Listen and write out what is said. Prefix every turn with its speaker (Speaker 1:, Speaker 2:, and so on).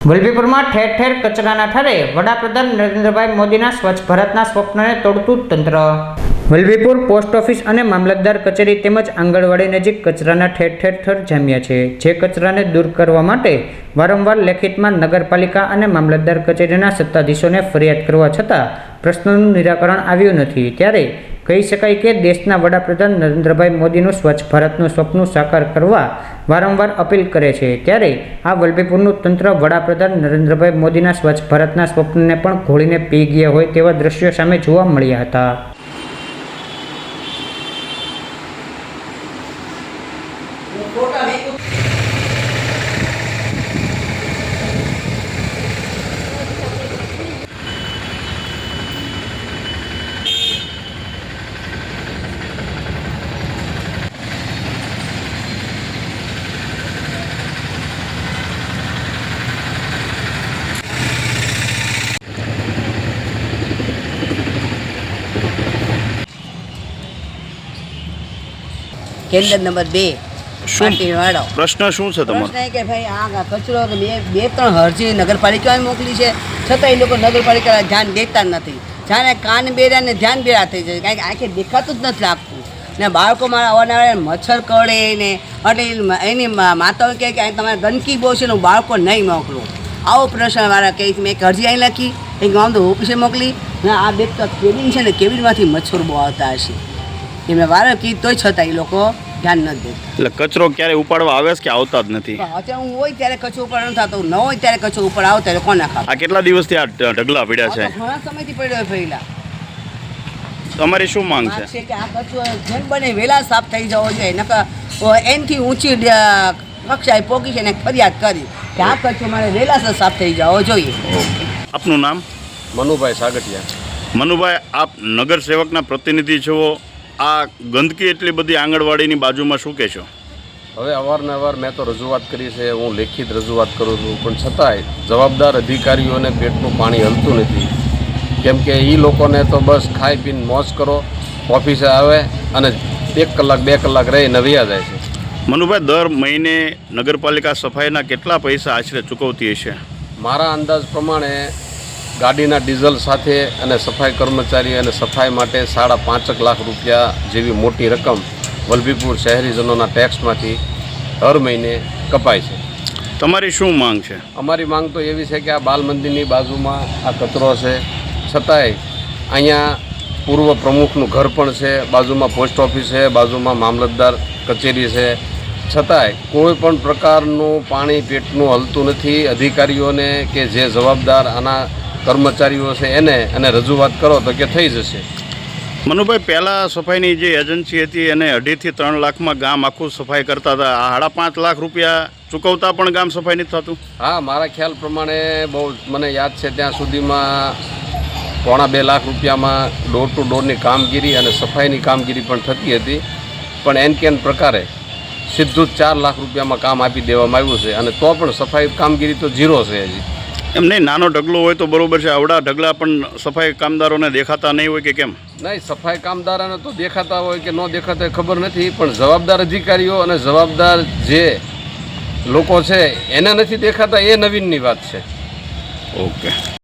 Speaker 1: વલભીપુરમાં ઠેર ઠેર કચરાના ઠારે વડાપ્રધાન નરેન્દ્રભાઈ મોદીના સ્વચ્છ ભારતના સ્વપ્નને તોડતું તંત્ર। વલભીપુર પોસ્ટ ઓફિસ અને મામલતદાર કચેરી તેમજ આંગણવાડી નજીક કચરાના ઠેર ઠેર જામ્યા છે, જે કચરાને દૂર કરવા માટે વારંવાર લેખિતમાં નગરપાલિકા અને મામલતદાર કચેરીના સત્તાધીશોને ફરિયાદ કરવા છતાં પ્રશ્નોનું નિરાકરણ આવ્યું નથી। ત્યારે કહી શકાય કે દેશના વડાપ્રધાન નરેન્દ્રભાઈ મોદીનું સ્વચ્છ ભારતનું સપનું સાકાર કરવા વારંવાર અપીલ કરે છે। ત્યારે આ વલભીપુરનું તંત્ર વડાપ્રધાન નરેન્દ્રભાઈ મોદીના સ્વચ્છ ભારતના સ્વપ્નને પણ ઘોળીને પી ગયા હોય તેવા દ્રશ્યો સામે જોવા મળ્યા હતા।
Speaker 2: કેન્દ્ર નંબર 2 પાટીવાળો
Speaker 3: પ્રશ્ન શું છે તમારો?
Speaker 2: પ્રશ્ન એ કે ભાઈ આ કચરો તો બે ત્રણ અરજી નગરપાલિકાએ મોકલી છે, છતાં એ લોકો નગરપાલિકા ધ્યાન દેતા નથી। જાણે કાન બેરા ને ધ્યાન બેરા થઈ જાય, કારણ કે આંખે દેખાતું જ નથી લાગતું ને બાળકો મારા અવારનવાર મચ્છર કરડે ને એટલે એની માતાઓ કહે કે તમારે ગંદકી બહુ છે ને હું બાળકો નહીં મોકલું। આવો પ્રશ્ન મારા કહે મેં એક અરજી અહીં લખી, એક ગામ તો ઓફિસે મોકલી ને આ બે તો કેબિન છે ને કેબિનમાંથી મચ્છર બહુ આવતા હશે, એમને વારે કીધું તોય છતાં એ લોકો ધ્યાન નથી દેતા।
Speaker 3: એટલે કચરો ક્યારે ઉપાડવા આવે છે કે આવતા જ નથી?
Speaker 2: અત્યારે હું હોય ત્યારે કચરો ઉપર ન થતો, ન હોય ત્યારે કચરો ઉપર આવતો એટલે કોને ખાવ?
Speaker 3: આ કેટલા દિવસથી આ ઢગલા પડ્યા છે?
Speaker 2: ઘણા સમયથી પડ્યો પહેલા।
Speaker 3: તમારી શું માંગ છે?
Speaker 2: કે આ કચરો જેમ બને વહેલા સાફ થઈ જવો જોઈએ, નકર એનથી ઊંચી કક્ષાએ પોકી છે ને ફરિયાદ કરી કે આ કચરો મારે વહેલા સાફ થઈ જવો જોઈએ।
Speaker 3: આપનું નામ?
Speaker 4: મનુભાઈ સાગઠિયા।
Speaker 3: મનુભાઈ, આપ નગર સેવકના પ્રતિનિધિ છો, આ ગંદકી એટલી બધી આંગણવાડીની બાજુમાં શું કહેશો?
Speaker 4: હવે અવારનવાર મેં તો રજૂઆત કરી છે, હું લેખિત રજૂઆત કરું છું, પણ છતાંય જવાબદાર અધિકારીઓને પેટનું પાણી હલતું નથી। કેમ કે એ લોકોને તો બસ ખાઈ પીને મોજ કરો, ઓફિસે આવે અને 1 કલાક 2 કલાક રહીને વયા જાય છે।
Speaker 3: મનુભાઈ, દર મહિને નગરપાલિકા સફાઈના કેટલા પૈસા આશરે ચૂકવતી હશે?
Speaker 4: મારા અંદાજ પ્રમાણે ગાડીના ડીઝલ સાથે અને સફાઈ કર્મચારી અને સફાઈ માટે 5.5 લાખ રૂપિયા જેવી મોટી રકમ વલભીપુર શહેરીજનોના ટેક્સમાંથી દર મહિને કપાય છે।
Speaker 3: તમારી શું માંગ છે?
Speaker 4: અમારી માંગ તો એવી છે કે આ બાલ મંદિરની બાજુમાં આ કચરો છે, છતાંય અહીંયા પૂર્વ પ્રમુખનું ઘર પણ છે, બાજુમાં પોસ્ટ ઓફિસ છે, બાજુમાં મામલતદાર કચેરી છે, છતાંય કોઈ પણ પ્રકારનું પાણી પેટનું હલતું નથી। અધિકારીઓને કે જે જવાબદાર આના કર્મચારીઓ છે એને અને રજૂઆત કરો તો કે થઈ જશે।
Speaker 3: મનુભાઈ, પહેલાં સફાઈની જે એજન્સી હતી એને 2.5 થી 3 લાખમાં ગામ આખું સફાઈ કરતા હતા, આ 5.5 લાખ રૂપિયા ચૂકવતા પણ ગામ સફાઈ નથી થતું?
Speaker 4: હા, મારા ખ્યાલ પ્રમાણે બહુ મને યાદ છે ત્યાં સુધીમાં 1.25 લાખ રૂપિયામાં ડોર ટુ ડોરની કામગીરી અને સફાઈની કામગીરી પણ થતી હતી, પણ એન કેન પ્રકારે સીધું જ 4 લાખ રૂપિયામાં કામ આપી દેવામાં આવ્યું છે, અને તો પણ સફાઈ કામગીરી તો ઝીરો છે હજી।
Speaker 3: એમ નહીં, નાનો ઢગલો હોય તો બરાબર છે, આવડા ઢગલા પણ સફાઈ કામદારોને દેખાતા નહીં હોય કે કેમ?
Speaker 4: નહીં, સફાઈ કામદારોને તો દેખાતા હોય કે ન દેખાતા હોય ખબર નથી, પણ જવાબદાર અધિકારીઓ અને જવાબદાર જે લોકો છે એને નથી દેખાતા, એ નવીનની વાત છે।
Speaker 3: ઓકે।